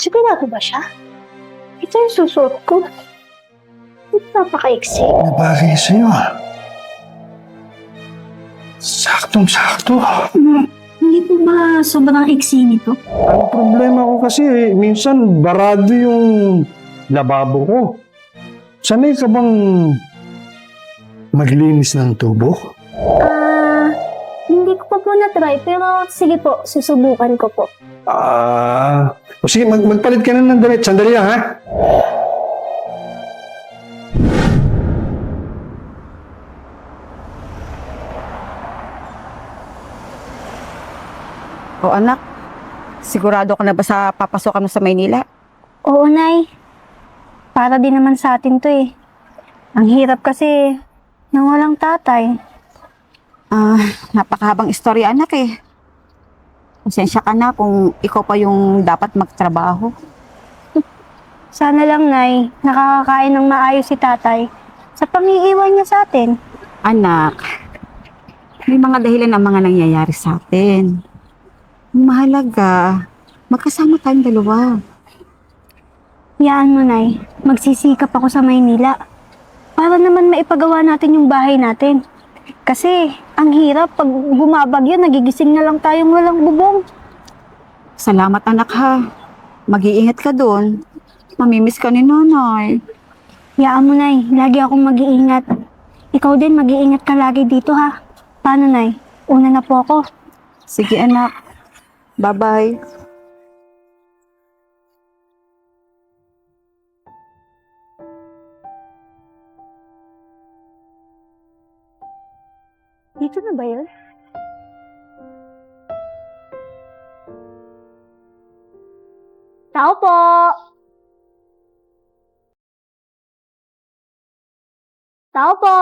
Sigurado ba siya? Ito yung susuot ko. Napaka-iksi. Nabagay sa'yo Saktong-sakto. Hindi po ba sobrang iksi nito? Ang problema ko kasi, minsan barado yung lababo ko. Sanay ka bang maglinis ng tubo? Hindi ko pa po na-try, pero sige po, susubukan ko po. O sige, magpalit ka na ng damit. Sandali lang, ha? O anak, sigurado ka na ba sa papasokan mo sa Maynila? Oo, Nay. Para din naman sa atin to eh. Ang hirap kasi nang walang tatay. Napakahabang istorya anak eh. Pasensya ka na kung ikaw pa yung dapat magtrabaho. Sana lang, Nay, nakakakain ng maayos si tatay sa pang-iiwan niya sa atin. Anak, may mga dahilan ang mga nangyayari sa atin. Ang mahalaga, magkasama tayong dalawa. Yaan mo, Nay. Magsisikap ako sa Maynila. Para naman maipagawa natin yung bahay natin. Kasi, ang hirap pag bumabagyo, nagigising na lang tayong walang bubong. Salamat anak ha. Mag-iingat ka doon. Mamimiss ka ni nanay. Yaan mo, Nay. Lagi akong mag-iingat. Ikaw din, mag-iingat ka lagi dito, ha? Paano, Nay? Una na po ako. Sige anak. Bye-bye. Dito na ba yun? Tao po! Tao po!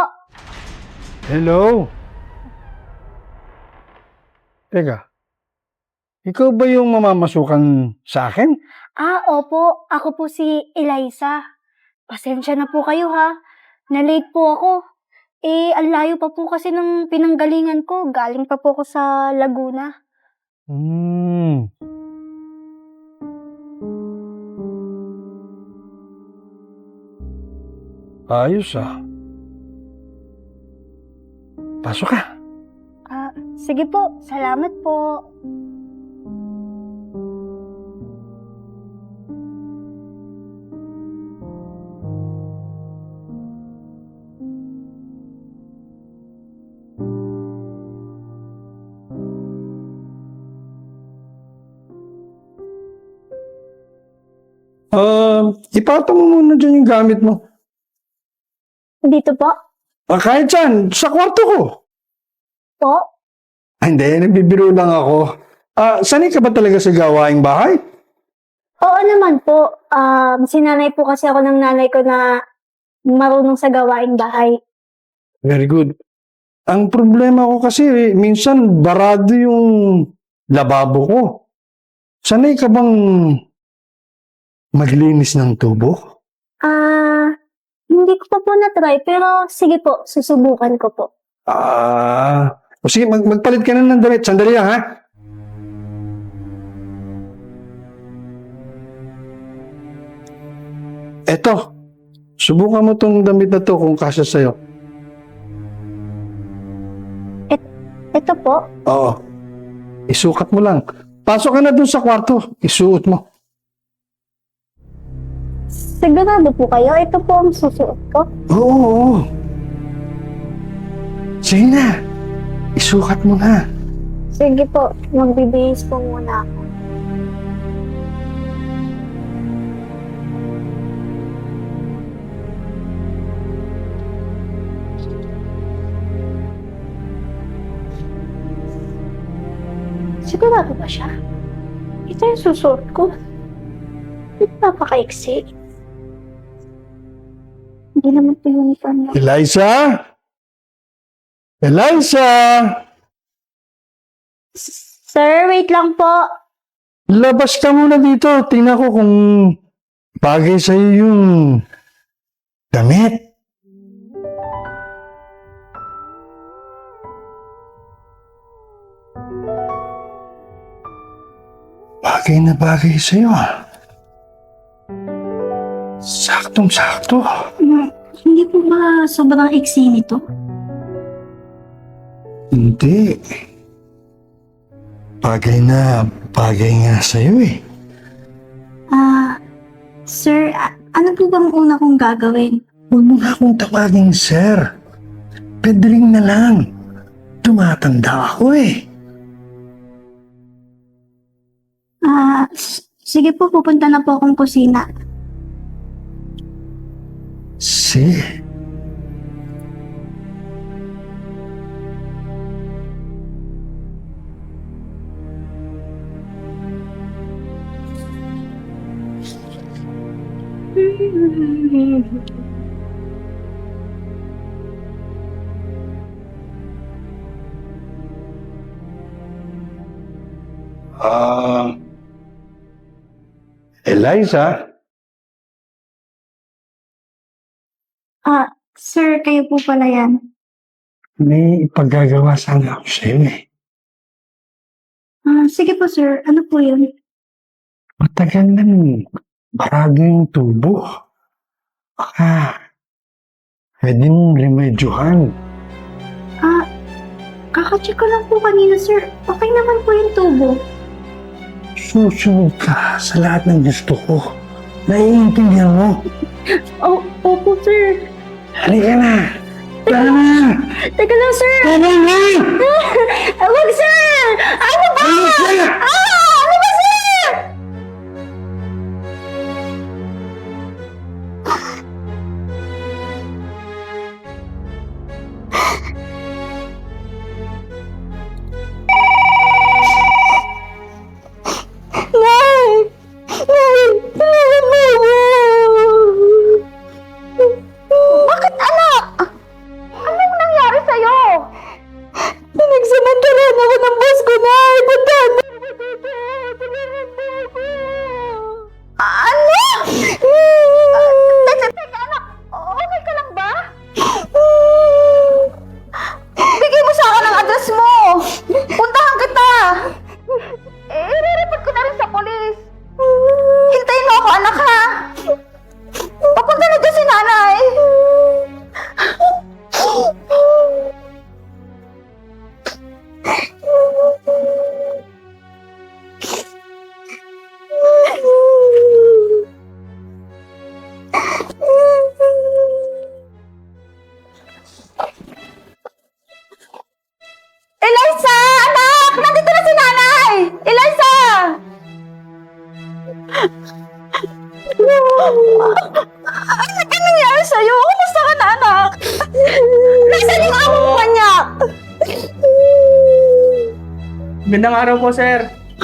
Hello? Teka, ikaw ba yung mamamasukan sa akin? Opo. Ako po si Eliza. Pasensya na po kayo, ha? Na-late po ako. Ang layo pa po kasi ng pinanggalingan ko. Galing pa po ako sa Laguna. Ayos Pasok ka. Sige po. Salamat po. Ipatong mo muna dyan yung gamit mo. Dito po. Kahit saan, sa kwarto ko. Po. Hindi, nagbibiro lang ako. Sanay ka ba talaga sa gawaing bahay? Oo naman po. Sinanay po kasi ako ng nanay ko na marunong sa gawaing bahay. Very good. Ang problema ko kasi, minsan barado yung lababo ko. Sanay ka bang maglinis ng tubo? Hindi ko pa po na-try, pero sige po, susubukan ko po. O sige, magpalit ka na ng damit. Sandali lang, ha? Eto, subukan mo tong damit na to kung kasya sa'yo. Ito po. Oo. Isukat mo lang. Pasok ka na dun sa kwarto. Isuot mo. Sigurado po kayo, ito po ang susuot ko. Oo. Sige na. Isukat mo na. Sige po, magbibihis po muna ako. Sigurado ba siya? Ito yung susuot ko. Napaka-iksi. Hindi naman po uniform na. Eliza? Eliza! Sir, wait lang po. Labas ka muna dito. Tingnan ko kung bagay sa'yo yung damit. Bagay na bagay sa'yo Saktong-sakto. Hindi po ba sobrang iksi nito? Hindi. Bagay nga sa'yo eh. Sir, ano po bang una kong gagawin? Huwag mo nga akong tawagin, sir. Pedring na lang. Tumatanda ako eh. Sige po, pupunta na po akong kusina. Si. Eliza? Sir, kayo po pala yan. May ipagagawa sana ako sa'yo eh. Sige po, sir. Ano po yun? Matagal na barado yung tubo. Baka pwede mong remedyohan. Kakacheck ko lang po kanina, sir. Okay naman po yung tubo. Susunod ka sa lahat ng gusto ko. Naiintindihan mo? Opo, sir. Halika na! Tara na! Teka lang, sir. Tara na! Wag, sir! Ano ba? Halika! Ano ba, sir? Bakit, anak? Anong nangyari sa'yo? Pinagsamantalaan ako ng boss ko na. Puntahan mo ako dito. Tulungan mo ako. Ano? Teka, anak. Okay ka lang ba? Bigay mo sa akin ang address mo. Puntahan kita. I-report ko na rin sa polis. Hintayin mo ako, anak, ha? Papunta na dyan si nanay. Eliza! Anak! Nandito na si nanay! Eliza! Anak, anong nangyari sa'yo? Kumusta ka na, anak? Nasaan yung amo mo, manyak? Gandang araw po, sir.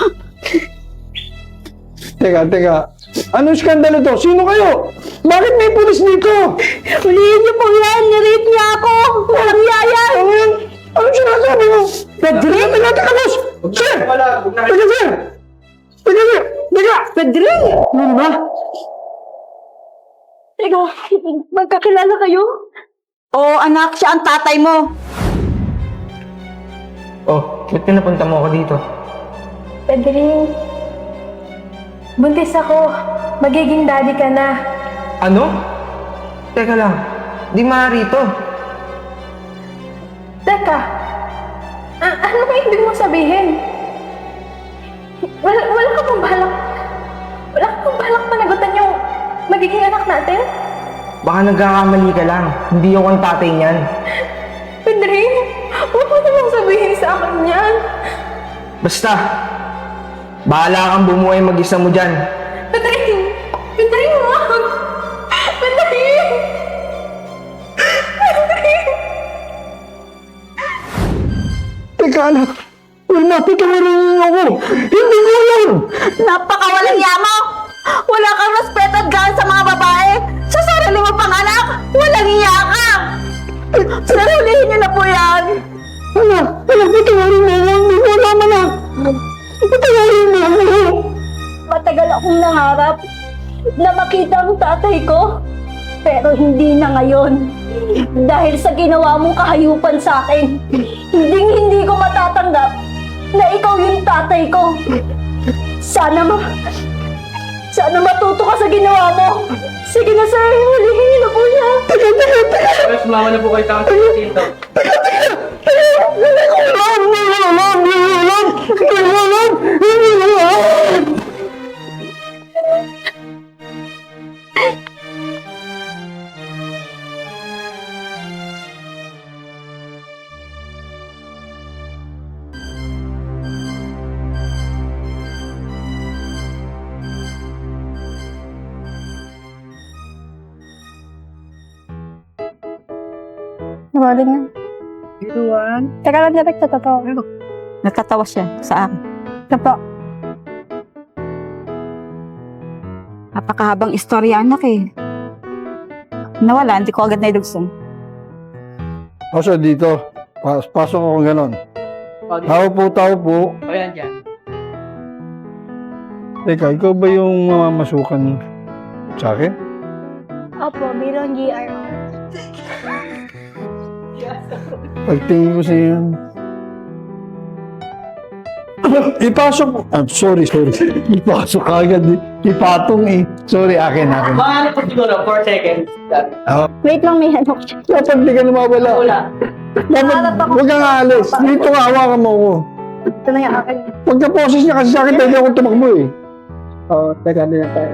Teka. Anong skandalo to? Sino kayo? Bakit may pulis dito? Hulihin niyo po yan! Nirate niya ako! Walang yaya! Ano yan? Anong sinasabi mo? Pedring? Teka, boss! Sir! Teka, sir! Teka! Pedring! Ano ba? Teka, magkakilala kayo? Oo, anak, siya ang tatay mo. Oh, ba't pinapunta mo ako dito? Pedring, buntis ako. Magiging daddy ka na. Ano? Teka lang, di maaari ito. Teka, ano ba ibig mong sabihin? Wala ka pang balak panagutan yung magiging anak natin? Baka nagkakamali ka lang. Hindi ako ang tatay niyan. Pedring, huwag mo namang sabihin sa akin yan. Basta, bahala kang bumuhay mag-isa mo dyan. Pedring, wag! Pedring! Teka, anak! Wala, patawarin niyo ako! Hindi ko alam! Napakawalang yamo! Wala kang respeto at gaan sa mga babae! Sa sarili mo pang anak, walang iya ka! Sarulihin niyo na po yan! Anak, patawarin mo ako! Hindi ko alam, anak! Patawarin mo ako! Matagal akong nangarap na makita ang tatay ko. Pero hindi na ngayon. Dahil sa ginawa mong kahayupan sa akin, hindi ko matatanggap na ikaw yung tatay ko. Sana Sana matuto ka sa ginawa mo. Sige na, sir. Hulihin niyo na po siya. Mas mama na po kayo tangang dito. Nawala niya. Teka lang, direct sa totoo. Natatawa siya sa akin. Ito po. Napakahabang istorya, anak eh. Nawala, hindi ko agad nailugsan. Pasok dito. Pasok ako ganon. Tao po. Ayan dyan. Teka, ikaw ba yung mamamasukan sa akin? Opo, bilang GR. Pagtingin ko sa iyo. Ipasok mo. Sorry. Ipasok ka agad. Ipatong eh. Sorry, akin. Mga ano po siguro, 4 seconds. Wait lang, may ano. Dapat di ka nawawala. Wala. Dapat huwag kang aalis. Dito ka, hawakan mo ako. Ito na yung akin. Pagka-process niya kasi sa akin, pwede akong tumakbo eh. Teka na tayo.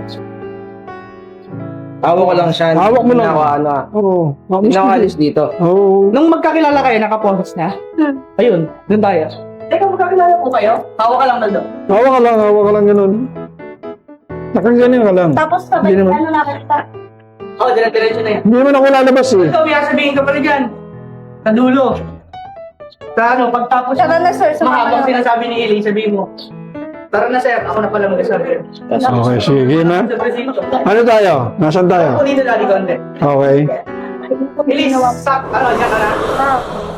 Hawak ko lang siya. Hawak mo lang. Oo. Hindi na ako alis dito. Oo. Nung magkakilala kayo, nakaposes na. Ayun, dun tayo. Teka, magkakilala po kayo? Hawak ka lang na doon. Hawak ka lang ganun. Nakaganyan ka lang. Tapos Hindi sabay, naman. ano na kita. Oo, dire-diretso na yan. Hindi naman ako lalabas eh. Ikaw, sabihin ka pala dyan. Sa dulo. Sa ano, pagtapos Tara na, sir. Sumama mahabang na. sinasabi ni Eli, sabihin mo. Tara na, sir. Ako na pala magsasabi. Okay, sige na. Sa presinto. Ano tayo? Nasaan tayo? Ako dito, Daddy Conde. Okay. Eli, ano, dyan ka na.